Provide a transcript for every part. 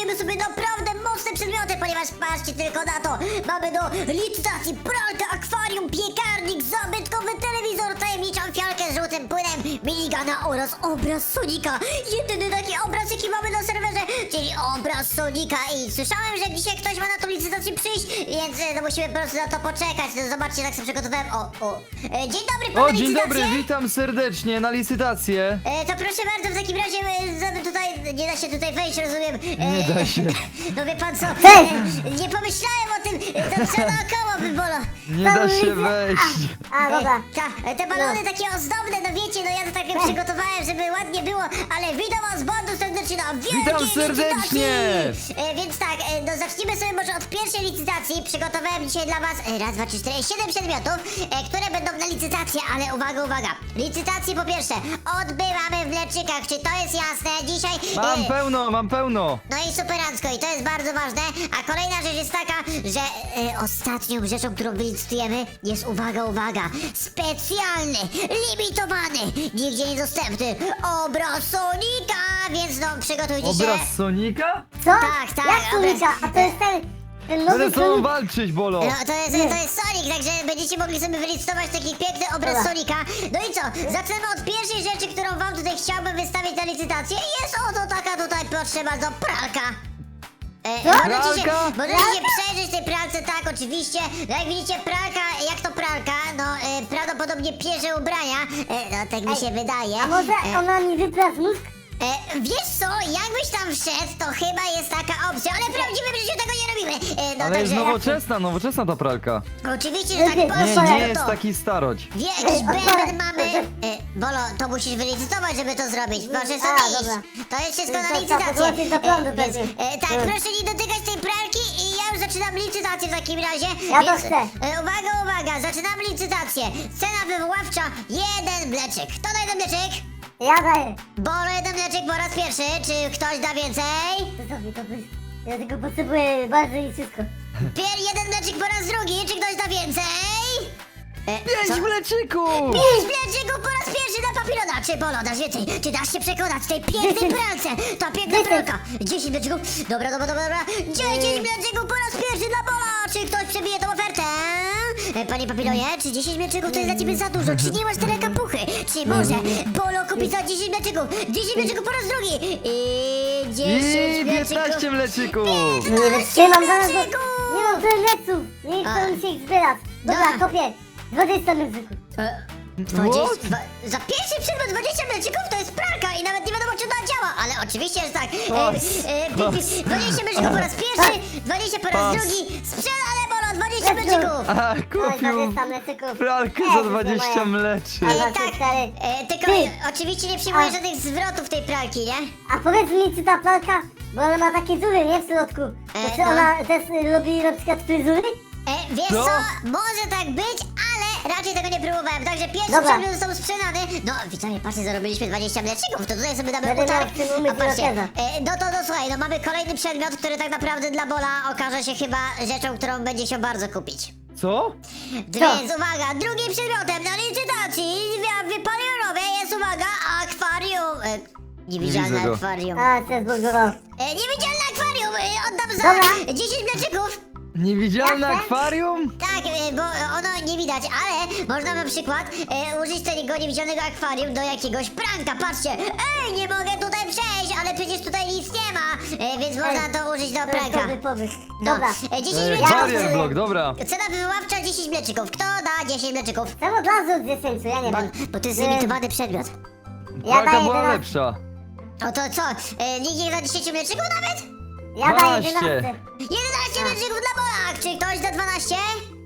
wybierzemy sobie naprawdę mocne przedmioty, ponieważ patrzcie tylko na to. Mamy do licytacji pralkę, akwarium, piekarnik, zabytkowy telewizor, tajemniczą fialkę z żółtym płynem, minigana oraz obraz Sonika. Jedyny taki obraz, jaki mamy na serwerze, czyli obraz Sonika. I słyszałem, że dzisiaj ktoś ma na tą licytację przyjść, więc no musimy po prostu na to poczekać. No zobaczcie, jak sobie przygotowałem. Dzień dobry, pana O, dzień licytację. dobry, witam serdecznie na licytację. To proszę bardzo, w takim razie tutaj nie da się tutaj wejść, rozumiem. Nie da się. No wie pan co? Cześć! Nie pomyślałem o tym, to trzeba naokoło by bolo. Nie da się wejść. A, dobra. Te balony takie ozdobne, no wiecie, no ja to tak przygotowałem, żeby ładnie było, ale witam was bardzo serdecznie na wielkiej Witam serdecznie! licytacji. Więc tak, no zacznijmy sobie może od pierwszej licytacji. Przygotowałem dzisiaj dla was raz, dwa, trzy, cztery, 7 przedmiotów, które będą na licytację, ale uwaga, uwaga. Licytację po pierwsze odbywamy w Leczykach, czy to jest jasne? Dzisiaj... Mam pełno. No i superancko, i to jest bardzo ważne. A kolejna rzecz jest taka, że ostatnią rzeczą, którą wylicytujemy jest, uwaga, specjalny, limitowany, nigdzie niedostępny obraz Sonika, więc no przygotujcie się. Obraz Sonika? Co? Tak, Jak Sonika? A to jest ten nowy Będę z tobą Sonic? walczyć, Bolo. No, to jest Sonic, także będziecie mogli sobie wylicytować taki piękny obraz Dobra. Sonika. No i co? Zaczynamy od pierwszej rzeczy, którą wam tutaj chciałbym wystawić na licytację. Jest oto taka tutaj, proszę bardzo, pralka. Możecie Pralka? się przejrzeć tej pralce, tak, oczywiście. No jak widzicie, pralka, jak to pralka? No, prawdopodobnie pierze ubrania. No, tak mi się wydaje. A może ona mi wypra z mózg? Wiesz co, jakbyś tam wszedł, to chyba jest taka opcja, ale w prawdziwym życiu tego nie robimy. No Ale jest także, nowoczesna ta pralka. oczywiście, że tak Nie, poszło, Nie no jest to. taki staroć. Jakiś Otwórz. bęben mamy. Bolo, to musisz wylicytować, żeby to zrobić. Proszę A, sobie iść. dobra. To jest wszystko na To licytację. podłączyć do prądu Więc, pewnie. tak, proszę nie dotykać tej pralki i ja już zaczynam licytację w takim razie. Ja to Więc, chcę. uwaga, zaczynamy licytację. Cena wywoławcza, 1 mleczyk. Kto da 1 mleczyk? Ja daję. Bolo, 1 mleczyk po raz pierwszy. Czy ktoś da więcej? To sobie to być. Ja tylko potrzebuję bardzo i wszystko. 1 mleczyk po raz drugi. Czy ktoś da więcej? 5 mleczyków! 5 mleczyków po raz pierwszy dla papilona! Czy Bolo, dasz więcej? Czy dasz się przekonać w tej pięknej 10. pralce? Ta piękna 10. pralka! 10 mleczyków? Dobra. 10 mleczyków po raz pierwszy dla Bola! Czy ktoś przebije tą ofertę? Panie papilonie, czy 10 mleczyków to jest dla ciebie za dużo? Czy nie masz tyle kapuchy? Czy może Bolo kupi za 10 mleczyków? 10 mleczyków po raz drugi! I 10 I mleczyków! 15 mleczyków! Nie wytrzymam zaraz, bo mleczyków! nie mam tyle leców. Nie chcę mi się ich zbierać. Dobra, Dobra. kopię. 20 mleczyków. 20, za pierwszy przedmiot 20 mleczyków to jest pralka i nawet nie wiadomo, czy ona działa, ale oczywiście, że tak. 20 mleczyków po raz pierwszy, 20 po raz Pas. drugi, sprzedane Bolo, 20 mleczyków. A, Oj, kupił 20 mleczyków. pralkę Nie, za to jest nie 20 moja. mleczy. Ale- Tak, stary. tylko Ty. oczywiście nie przyjmuję A. żadnych zwrotów tej pralki, nie? A powiedz mi, czy ta pralka, bo ona ma takie dziury, nie, w środku. To czy no. ona też robi na przykład fryzury? Wiesz Co? co, może tak być, ale raczej tego nie próbowałem, także pierwszy Dobra. przedmiot został sprzedany. No, widzowie, patrzcie, zarobiliśmy 20 mleczyków, to tutaj sobie damy Będę utarg. miał w tym umysł A patrzcie, rokeza. no słuchaj, no mamy kolejny przedmiot, który tak naprawdę dla Bola okaże się chyba rzeczą, którą będzie się bardzo kupić. Co? Więc uwaga, drugim przedmiotem na licytacji wypalionowej jest, uwaga, akwarium. Niewidzialne widzę go. akwarium. A, się zbugował. Niewidzialne akwarium, oddam za Dobra. 10 mleczyków. Niewidzialne Jasne. akwarium? Tak, bo ono nie widać, ale można na przykład użyć tego niewidzialnego akwarium do jakiegoś pranka. Patrzcie, nie mogę tutaj przejść, ale przecież tutaj nic nie ma, więc można to użyć do To jest pranka. dobry pomysł. No, Dobra. 10 Barrier mleczyków. block, dobra. Cena wywoławcza 10 mleczyków. Kto da 10 mleczyków? Czemu od razu od 10? Ja nie Bo, wiem. bo to jest limitowany przedmiot. Ja Pralka daję była 11. lepsza. No to co, nikt nie da 10 mleczyków nawet? Ja daję 12. 11. 11 mleczyków dla Bolak! Czy ktoś da 12?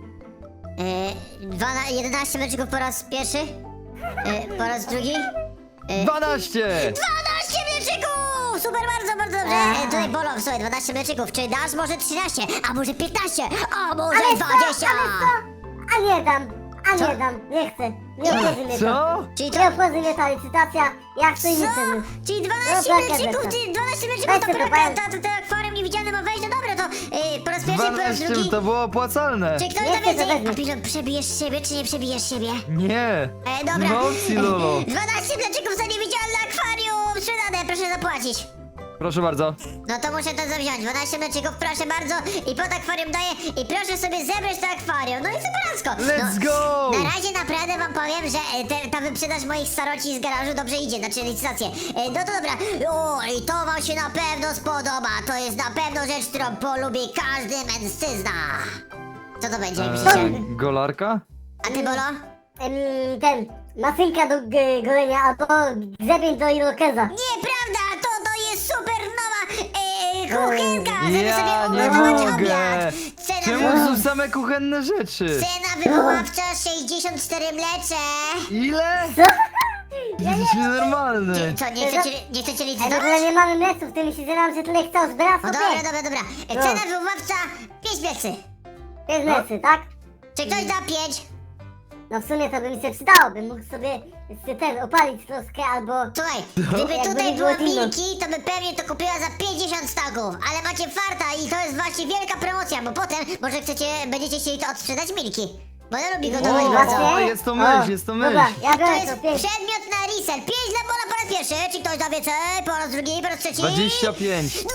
11 mleczyków po raz pierwszy? Po raz drugi? 12! 12 mleczyków! Super, bardzo dobrze. Tutaj Bolo, słuchaj, 12 mleczyków. Czy dasz może 13? A może 15? A może Ale 20? A nie dam. A Co? nie dam. Nie chcę. Nie obchodzi mnie to. Co? Czyli Nie obchodzi mnie ta licytacja. Ja chcę inny Co? przedmiot. Czyli 12 No, tak, mleczyków, tak. ty 12 mleczyków Weź to tylko pralka, powiem. to akwarium niewidzialne ma wejść, no dobra, to po raz pierwszy, po raz 12 drugi. to było opłacalne. Czy ktoś Nie da chcę, więcej? to weźmie. A pilot, przebijesz siebie, czy nie przebijesz siebie? Nie. Dobra. No opcji, Lolo. 12 mleczyków za niewidzialne akwarium! Sprzedane, proszę zapłacić. Proszę bardzo. No to muszę to wziąć. 12 mleczyków, proszę bardzo. I pod akwarium daję. I proszę sobie zebrać to akwarium. No i superancko. Let's no, go! Na razie naprawdę wam powiem, że ta wyprzedaż moich staroci z garażu dobrze idzie, znaczy licytację. No to dobra. O, i to wam się na pewno spodoba. To jest na pewno rzecz, którą polubi każdy mężczyzna. Co to będzie, jak myślicie? Golarka? A ty, Bolo? Ten, maszynka do golenia albo grzebień do irokeza. Nieprawda, to jest super nowa kuchenka, żeby Ja sobie nie ugotować mogę! obiad. Czemu są same kuchenne rzeczy? Cena wywoławcza 64 mlecze. Ile? Co? Jesteś nienormalny. Co, nie chcecie Ale licytować? tyle nie mamy mleców, ty myślisz, że nam się tyle chce zbierać No sobie? dobra. No. Cena wywoławca 5 mlecy. 5 mlecy, tak? Czy ktoś da 5? No w sumie to by mi się przydało, bym mógł sobie ten opalić troszkę albo... Słuchaj, gdyby Jakby tutaj nie było była inno. Milki, to by pewnie to kupiła za 50 stagów. Ale macie farta i to jest właśnie wielka promocja, bo potem może będziecie chcieli to odsprzedać Milki. Bo ona lubi gotować O, bardzo. o, jest to myśl, jest to myśl. Dobra, ja To biorę jest to 5. przedmiot na resell. 5 dla Bola po raz pierwszy. Czy ktoś da więcej? Po raz drugi, po raz trzeci? 25. 25!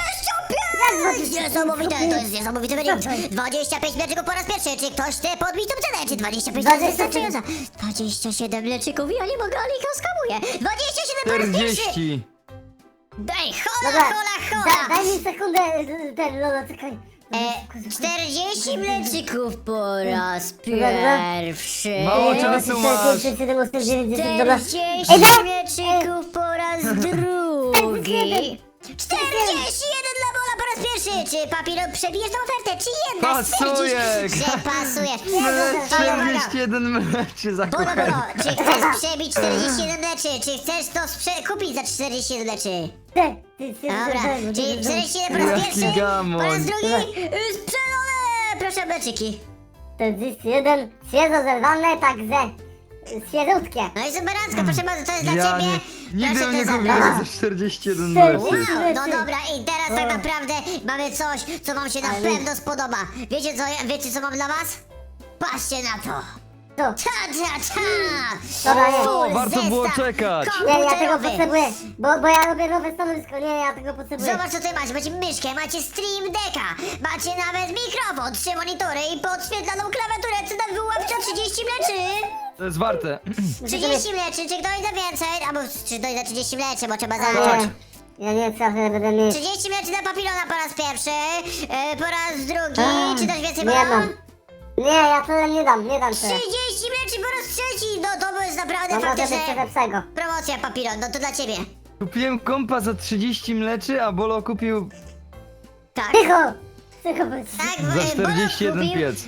Jak Niesamowite, to jest niesamowity wynik. 25 mleczyków po raz pierwszy. Czy ktoś chce podbić tą cenę? Czy 25 to jest 27. wystarczająca? 27 mleczyków, ja nie mogę, ale ich skamuję. 27 po raz pierwszy. 40. Daj, hola, Dobra, hola, hola. daj mi sekundę, ten, Lolo, czekaj. 40 mleczyków po raz Dobra. pierwszy. Mało czasu masz. 7, 8, 9, 10, dobra. 40 Ej, daj! mleczyków po raz drugi. 41 dla Bola po raz pierwszy. Czy papieru przebijesz tą ofertę? Czy jednak Pasuje. stwierdzisz, że pasujesz? Mlecz, Uwaga, uwaga. 41 mleczy za Bolo, kuchenkę. Bolo, czy chcesz przebić 41 mleczy? Czy chcesz to kupić za 47 mleczy? Dobra, czyli 41 po raz Jaki pierwszy, gamoń. po raz drugi sprzedane! Proszę mleczyki. 41, świeżo zerwane, także świeżutkie. No i superancko, proszę bardzo, to jest dla Ja ciebie. nie, nigdy Proszę bym nie to kupił zabrać. za 41 Wow. mleczy. Wow, no dobra, i teraz tak naprawdę mamy coś, co wam się na Ale- pewno spodoba. Wiecie co mam dla was? Patrzcie na to. Co? Ta. Dobra, nie. Full Warto było zestaw czekać. Nie, ja tego komputerowy. potrzebuję, bo ja robię nowe stanowisko, nie, ja tego potrzebuję. Zobacz co tutaj macie, macie myszkę, macie Stream Decka, macie nawet mikrofon, 3 monitory i podświetlaną klawiaturę, cena wyłapcza 30 mleczy. To jest warte. 30 mleczy, czy ktoś da więcej? Albo czy ktoś da 30 mleczy, bo trzeba zacząć. Nie, ja nie chcę, że będę mieć. 30 mleczy dla papilona po raz pierwszy, po raz drugi, A, czy też więcej nie Bola? mam. Nie, ja tyle nie dam tyle. 30 mleczy po raz trzeci, no to jest naprawdę No może być faktycznie coś lepszego. promocja papilon, no to dla ciebie. Kupiłem kompa za 30 mleczy, a Bolo kupił Tak. Cicho bądź. Tak, za 41 piec.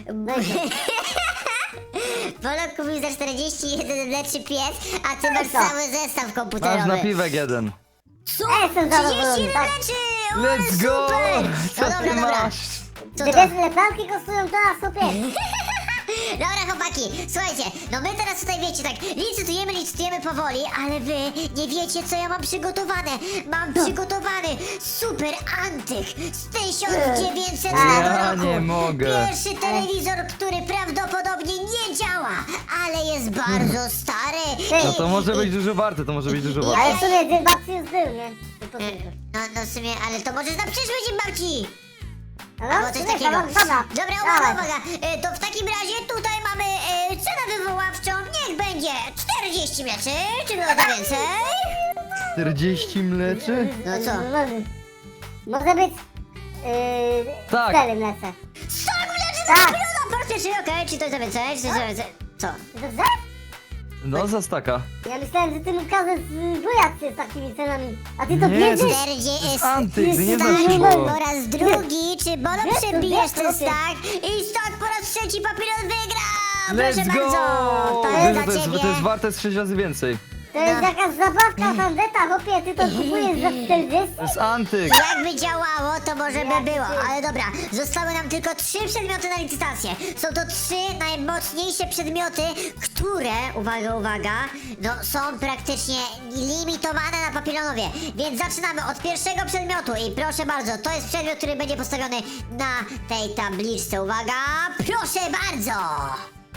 Bolok kupił za 41 mleczy piec, a ty masz Co? cały zestaw Masz komputerowy. napiwek jeden. Co? Jestem zadowolony, 31 tak. mleczy! O, ale Let's go! super! Co No ty dobra, dobra. masz? Co Gdy to? wiesz ile planki kosztują, to na super. Dobra chłopaki, słuchajcie, no my teraz tutaj wiecie tak, licytujemy powoli, ale wy nie wiecie co ja mam przygotowane. Mam przygotowany super antyk z 1900 Ja roku. nie mogę. Pierwszy telewizor, który prawdopodobnie nie działa, ale jest bardzo stary. No to może być dużo warte, to może być dużo warte. Ale w sumie dzień babci już był, nie? To tylko. No w sumie, ale to możesz na przyszły dzień babci. No, Albo coś nie, takiego. dobra. Dobra, Dawaj. uwaga. To w takim razie tutaj mamy cenę wywoławczą, niech będzie 40 mleczy, czy można więcej? 40 mleczy? No co? Może być... Tak. 4 mlece. 100 mleczy Tak. za miliona po raz pierwszy, okej, czy to jest za więcej, czy to jest za więcej? Co? Dobrze? No za staka. Ja myślałem, że ty mi każesz bujać się z takimi cenami. A ty to Nie, bierzesz? 40 Antyk, ty nie Tak, znasz tak. go. po raz drugi, czy Bolo Wiesz to, przebijesz wiesz to, ten wiesz. stack i stack po raz trzeci papilon wygra! Proszę Let's go! bardzo, to Wiesz, jest że dla ciebie. to jest warte z 6 razy więcej. To jest No. jakaś zabawka tandeta, chłopie, ty to kupujesz za 40? To jest antyk. Jakby działało, to może by było, ale dobra, zostały nam tylko 3 przedmioty na licytację. Są to 3 najmocniejsze przedmioty, które, uwaga, no są praktycznie limitowane na papilonowie. Więc zaczynamy od pierwszego przedmiotu i proszę bardzo, to jest przedmiot, który będzie postawiony na tej tabliczce. Uwaga, proszę bardzo!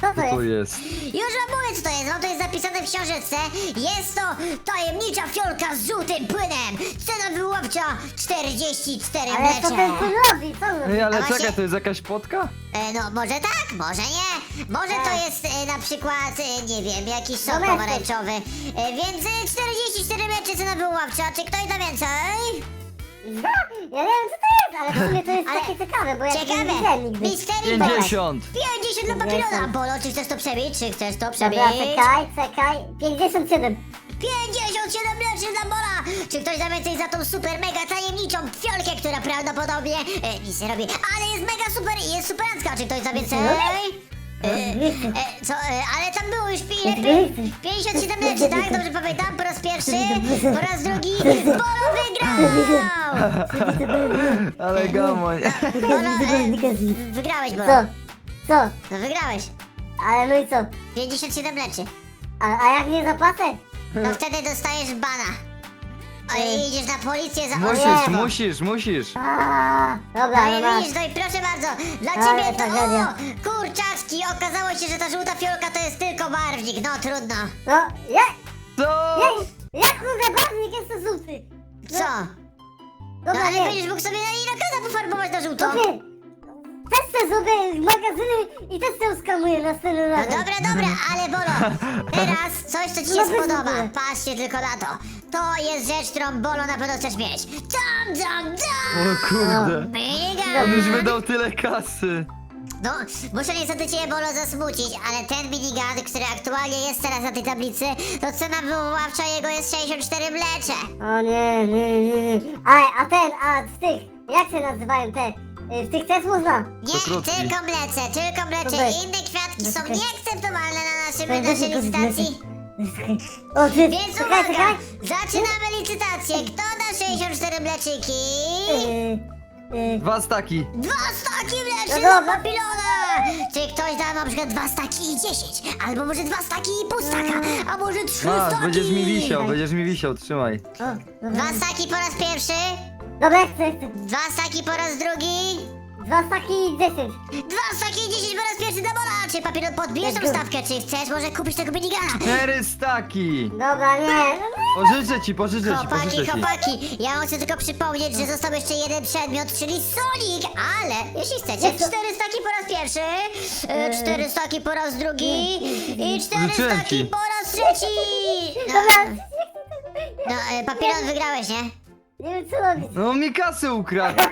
Co to Co to jest? jest? Już wam mówię, co to jest. No to jest zapisane w książeczce. Jest to tajemnicza fiolka z żółtym płynem. Cena wyłowcza 44 Ale co ten mlecze. tu robi? Co on robi? Ej, ale A właśnie- czekaj, to jest jakaś potka? No może tak, może nie. Może to Tak. jest na przykład, nie wiem, jakiś sok Domestos. pomarańczowy. Więc 44 mlecze cena wyłowcza. Czy ktoś da więcej? Ja nie wiem co to jest, ale w sumie to jest Ale takie ciekawe, bo ja tego nie Ciekawe. widziałem nigdy. Mistery 50! 50 dla papilona. Bolo, czy chcesz to przebić? Czy chcesz to przebić? Dobra, czekaj. 57. 57 mleczy dla Bola! Czy ktoś da więcej za tą super mega tajemniczą fiolkę, która prawdopodobnie nic nie robi, ale jest mega super i jest superancka. Czy ktoś da więcej? Ale tam było już 57 mleczy, tak? Dobrze pamiętam? Po raz pierwszy, po raz drugi. Bolo wygrał! Ale gamoń. Bolo, wygrałeś, Bolo. Co? Co? No wygrałeś. Ale no i co? 57 mleczy. A jak nie zapłacę? No wtedy dostajesz bana. I idziesz na policję za Musisz. Dobra, No no i masz. widzisz, no i proszę bardzo, dla Ale ciebie to tragedia. kurczaczki, okazało się, że ta żółta fiolka to jest tylko barwnik, no trudno. No, jak? Co? Jak kurde barwnik jest to żółty? Co? No Dobra, ale nie. będziesz mógł sobie na inakada pofarbować na żółto. Dobra. Też chcę sobie magazyny i też się uskamuję następnym No razem. dobra, ale Bolo, teraz coś, co ci się No bez spodoba. nudy. Patrzcie tylko na to. To jest rzecz, którą Bolo na pewno chcesz mieć. Dam! O kurde. Minigun! On już wydał tyle kasy. No, muszę niestety cię, Bolo, zasmucić, ale ten minigun, który aktualnie jest teraz na tej tablicy, to cena wywoławcza jego jest 64 mlecze. O nie. A w tych, jak się nazywają te? W tych też można? Nie, To krótki. tylko mlece. Dobra. Inne kwiatki są Dobra. nieakceptowalne na Dobra, naszej dobra, licytacji. O ty, Więc czekaj. uwaga, zaczynamy licytację. Kto da 64 mleczyki? 2 staki. 2 staki mleczy No dla dobra. papilona! Czy ktoś da na przykład 2 staki i 10? Albo może 2 staki i pół staka? A może 3 Masz, staki? będziesz mi wisiał, trzymaj. O, 2 staki po raz pierwszy, Dobra, chcę. 2 staki po raz drugi, 2 staki i 10. 2 staki i 10 po raz pierwszy dla Bola. Czy papilon podbijesz tą Let's go. stawkę? Czy chcesz może kupić tego minigana? 4 staki. Dobra, nie. Pożyczę ci. Chłopaki, ja wam chcę tylko przypomnieć, że został jeszcze jeden przedmiot, czyli Sonic, ale jeśli chcecie, Jak to? 4 staki po raz pierwszy, 4 staki po raz drugi i 4 Życzyłem staki ci. po raz trzeci. Dobra, Papilon wygrałeś, nie? nie wiem co robić. No mi kasę ukradł.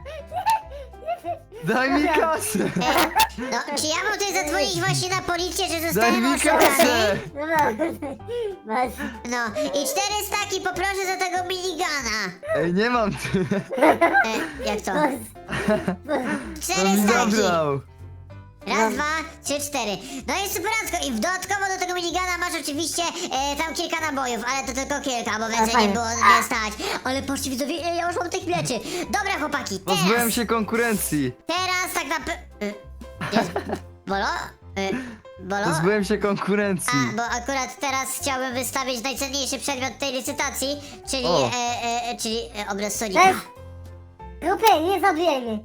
Daj mi kasę. No, czy ja mam tutaj zadzwonić właśnie na policję, że Daj zostałem mi oszukany? kasę. Dobra, masz. No, i 4 staki poproszę za tego minigana. Ej, nie mam. Jak to? Masz. 4 On mi staki. zabrał. Raz, 2, 3, 4. No i superancko. I dodatkowo do tego minigana masz oczywiście tam kilka nabojów, ale to tylko kilka, bo więcej nie fajnie. było nie stać. Ale patrzcie widzowie, ile ja już mam tych mleczy. Dobra chłopaki, Pozbyłem się konkurencji. teraz tak naprawdę... Bolo? Bolo? Pozbyłem się konkurencji. A, bo akurat teraz chciałbym wystawić najcenniejszy przedmiot tej licytacji, czyli, O. czyli obraz Sonika. Cześć. Grupy, nie zabijaj mnie.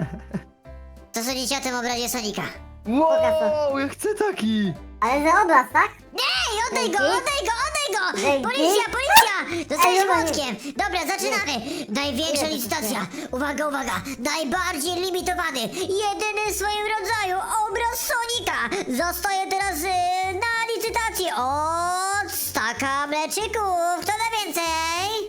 Co sądzicie o tym obrazie Sonika? Wow, ja chcę taki. Ale za obraz, tak? Ej, oddaj go, Dzięki. oddaj go, oddaj go! Dzięki. Policja! Dostajesz Ej, dobra, młotkiem! Dobra, zaczynamy! Największa licytacja! Uwaga! Najbardziej limitowany, jedyny w swoim rodzaju obraz Sonika zostaje teraz na licytacji od staka mleczyków! Kto da więcej?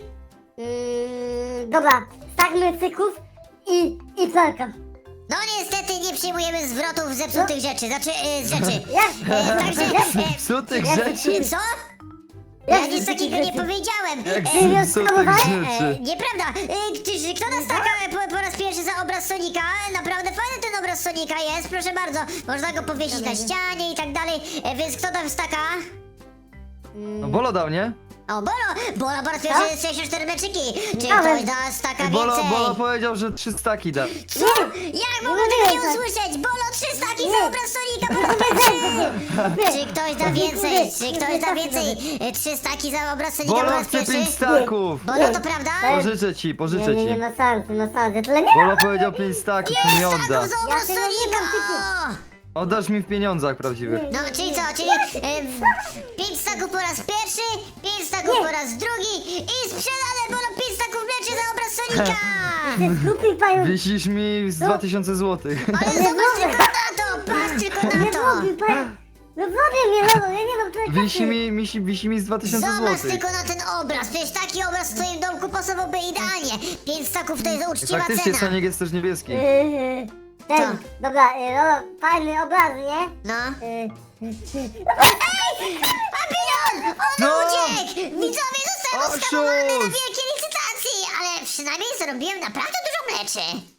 Dobra, stak mlecyków i pralka. No niestety nie przyjmujemy zwrotów zepsutych rzeczy, znaczy z rzeczy. Jak? Także... Psutych jak- rzeczy? Co? Ja Jak nic takiego nie rzeczy? powiedziałem. Jak nie psutych skamowałeś? rzeczy? Nieprawda! Kto nas taka po raz pierwszy za obraz Sonika? Naprawdę fajny ten obraz Sonika jest, proszę bardzo. Można go powiesić na ścianie i tak dalej. Więc kto tam staka? No Bolo dał, nie? O, Bolo po raz pierwszy jest 64 meczyki. Czy Dałem. ktoś da staka Bolo więcej? powiedział, że 3 staki da. Co? Jak mogę Nie tego nie tak. usłyszeć? Bolo 3 staki Nie. za obraz Sonika po raz pierwszy! Czy ktoś da więcej? Czy ktoś da więcej? 3 staki za obraz Sonika po Bolo raz chce 5 pierwszy? staków. Bolo, to prawda? Pożyczę ci. Nie ma sensu, tyle nie. Bolo powiedział 5 staków, nie odda. Staków za obraz Ja tego nie Sonika! dam, Oddasz mi w pieniądzach prawdziwych. No, czyli co? Czyli 5 staków po raz pierwszy, 5 staków po raz drugi i sprzedane Bolo 5 staków mleczy za obraz Sonika! Ty zgłupi pająk. Wisisz mi z 2000 złotych. Ale zobacz tylko na to! Patrz tylko na Nie to! zgłupi pająk. No wody mnie, no, ja nie mam tyle Wisi mi z 2000 Zobacz złotych. tylko na ten obraz, przecież taki obraz w twoim domku pasowałby idealnie. 5 staków to jest uczciwa Faktycznie cena. Sonic jest też niebieski. Ten, Co? dobra, no, fajny obraz, nie? No. Y, Papilon! On No! uciekł! Widzowie zostałem Oszust! oskamowany na wielkiej licytacji! Ale przynajmniej zarobiłem naprawdę dużo mleczy.